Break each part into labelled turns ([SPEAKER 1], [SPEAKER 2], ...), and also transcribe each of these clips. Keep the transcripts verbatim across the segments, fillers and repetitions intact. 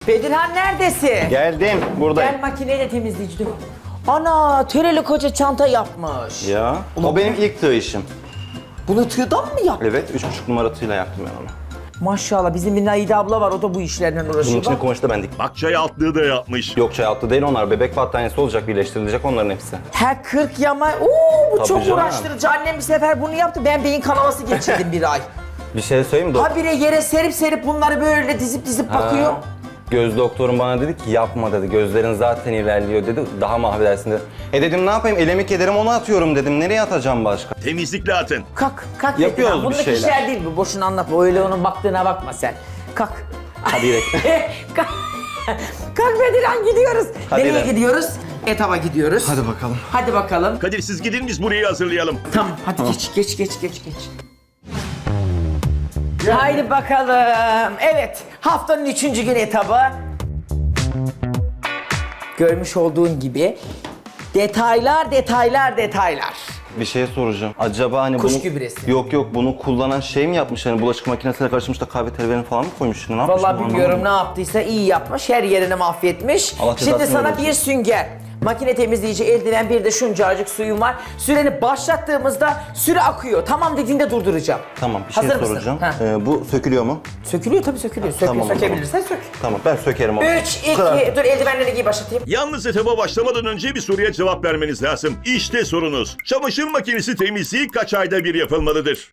[SPEAKER 1] Bedirhan neredesin?
[SPEAKER 2] Geldim buradayım.
[SPEAKER 1] Gel makineyle temizleyici dök. Ana töreli koca çanta yapmış.
[SPEAKER 2] Ya o benim ilk tığ işim.
[SPEAKER 1] Bunu tığdan mı yaptın?
[SPEAKER 2] Evet üç buçuk numara tığla yaptım ben onu.
[SPEAKER 1] Maşallah bizim bir Naide abla var o da bu işlerden
[SPEAKER 2] Bunun
[SPEAKER 1] uğraşıyor.
[SPEAKER 2] içine
[SPEAKER 1] Bak.
[SPEAKER 2] kumaşı da ben diktim.
[SPEAKER 3] Bak çay altlığı da yapmış.
[SPEAKER 2] Yok çay altı değil onlar. Bebek battaniyesi olacak, birleştirilecek onların hepsi.
[SPEAKER 1] Her kırk yama. Oo bu
[SPEAKER 2] Tabii
[SPEAKER 1] çok
[SPEAKER 2] canım.
[SPEAKER 1] uğraştırıcı. Annem bir sefer bunu yaptı. Ben beyin kanaması geçirdim bir ay.
[SPEAKER 2] Bir şey söyleyeyim mi?
[SPEAKER 1] Habire yere serip serip bunları böyle dizip dizip bakıyor.
[SPEAKER 2] Ha. Göz doktorum bana dedi ki yapma dedi. Gözlerin zaten ilerliyor dedi. Daha mahvedersin dedi. E dedim ne yapayım? Elemi kederim onu atıyorum dedim. Nereye atacağım başka?
[SPEAKER 3] Temizlikle atın.
[SPEAKER 1] Kalk, kalk.
[SPEAKER 2] Yapıyoruz
[SPEAKER 1] Bedirhan.
[SPEAKER 2] bir
[SPEAKER 1] Bundaki
[SPEAKER 2] şeyler.
[SPEAKER 1] işler değil bu. Boşuna anlatma. Öyle onun baktığına bakma sen. Kalk.
[SPEAKER 2] Hadi gidelim.
[SPEAKER 1] kalk. Kalk Bedirhan gidiyoruz.
[SPEAKER 2] Hadi
[SPEAKER 1] Nereye
[SPEAKER 2] gidelim.
[SPEAKER 1] gidiyoruz? Etaba gidiyoruz.
[SPEAKER 2] Hadi bakalım.
[SPEAKER 1] Hadi bakalım.
[SPEAKER 3] Kadir siz gidin biz burayı hazırlayalım.
[SPEAKER 1] Tamam hadi geç geç geç geç geç. Haydi bakalım. Evet haftanın üçüncü gün etabı. Görmüş olduğun gibi detaylar detaylar detaylar.
[SPEAKER 2] Bir şey soracağım. Acaba hani
[SPEAKER 1] Kuş
[SPEAKER 2] bunu...
[SPEAKER 1] gübresi.
[SPEAKER 2] Yok yok bunu kullanan şey mi yapmış? Hani bulaşık makinesiyle karışmış da kahve telverini falan mı koymuş? Ne yapmış?
[SPEAKER 1] Vallahi
[SPEAKER 2] bunu
[SPEAKER 1] bilmiyorum ne
[SPEAKER 2] anlamadım.
[SPEAKER 1] yaptıysa iyi yapmış. Her yerini mahvetmiş.
[SPEAKER 2] Allah
[SPEAKER 1] Şimdi
[SPEAKER 2] cezasını
[SPEAKER 1] sana
[SPEAKER 2] versin.
[SPEAKER 1] bir sünger, makine temizleyici, eldiven, bir de şuncacık suyum var. Süreni başlattığımızda süre akıyor. Tamam dediğinde durduracağım.
[SPEAKER 2] Tamam bir şey
[SPEAKER 1] Hazır mısın?
[SPEAKER 2] soracağım.
[SPEAKER 1] Ha.
[SPEAKER 2] Ee, bu sökülüyor mu?
[SPEAKER 1] Sökülüyor tabii sökülüyor. Söküyor,
[SPEAKER 2] Tamam o zaman.
[SPEAKER 1] sökebilirsen sök.
[SPEAKER 2] Tamam ben sökerim onu.
[SPEAKER 1] Üç, iki,
[SPEAKER 2] Kırar.
[SPEAKER 1] dur eldivenleri giy başlatayım.
[SPEAKER 3] Yalnız etaba başlamadan önce bir soruya cevap vermeniz lazım. İşte sorunuz. Çamaşır makinesi temizliği kaç ayda bir yapılmalıdır?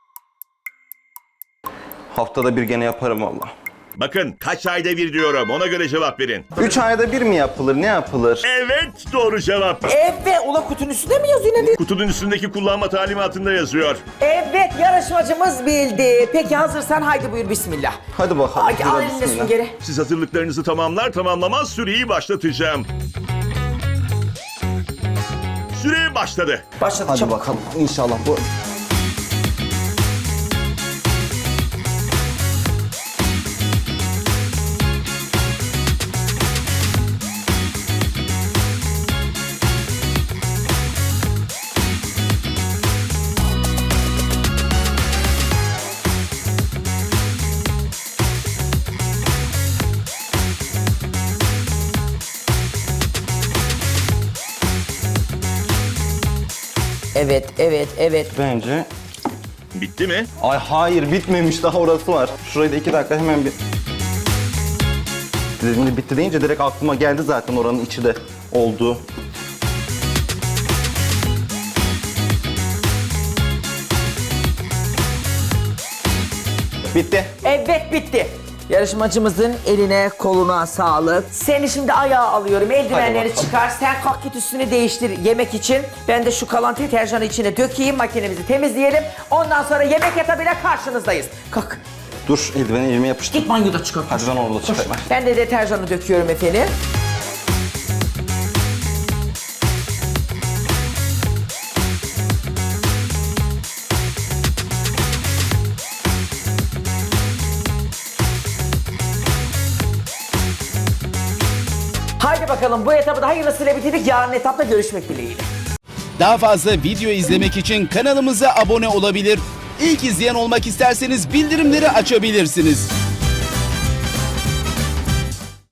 [SPEAKER 2] Haftada bir gene yaparım valla.
[SPEAKER 3] Bakın kaç ayda bir diyorum ona göre cevap verin.
[SPEAKER 2] Üç ayda bir mi yapılır? Ne yapılır?
[SPEAKER 3] Evet doğru cevap.
[SPEAKER 1] Evet, ula kutunun üstünde mi yazıyor ne diyor?
[SPEAKER 3] Kutunun üstündeki kullanma talimatında yazıyor.
[SPEAKER 1] Evet, yarışmacımız bildi. Peki hazırsan haydi buyur bismillah.
[SPEAKER 2] Hadi bakalım.
[SPEAKER 1] Ay,
[SPEAKER 2] Hadi
[SPEAKER 1] al eline
[SPEAKER 2] bismillah.
[SPEAKER 1] süngeri.
[SPEAKER 3] Siz hazırlıklarınızı tamamlar tamamlamaz süreyi başlatacağım. Süre başladı.
[SPEAKER 1] Başladı
[SPEAKER 2] Hadi
[SPEAKER 1] çabuk.
[SPEAKER 2] bakalım inşallah bu.
[SPEAKER 1] Evet, evet, evet.
[SPEAKER 2] Bence...
[SPEAKER 3] Bitti mi?
[SPEAKER 2] Ay hayır bitmemiş daha orası var. Şurayı da iki dakika hemen bir... Şimdi bitti deyince direkt aklıma geldi zaten oranın içi de olduğu. Bitti.
[SPEAKER 1] Evet bitti. Yarışmacımızın eline koluna sağlık. Seni şimdi ayağa alıyorum. Eldivenleri
[SPEAKER 2] bakalım.
[SPEAKER 1] çıkar. Sen kalk git üstünü değiştir yemek için. Ben de şu kalan deterjanı içine dökeyim. Makinemizi temizleyelim. Ondan sonra yemek etabıyla karşınızdayız. Kalk.
[SPEAKER 2] Dur eldiveni elime yapıştır.
[SPEAKER 1] Git banyoda çıkar.
[SPEAKER 2] Hadi ben orada çıkayım.
[SPEAKER 1] Ben de deterjanı döküyorum efendim. Haydi bakalım bu etabı da hayırlısıyla bitirdik. Yarın etapta görüşmek dileğiyle.
[SPEAKER 4] Daha fazla video izlemek için kanalımıza abone olabilir. İlk izleyen olmak isterseniz bildirimleri açabilirsiniz.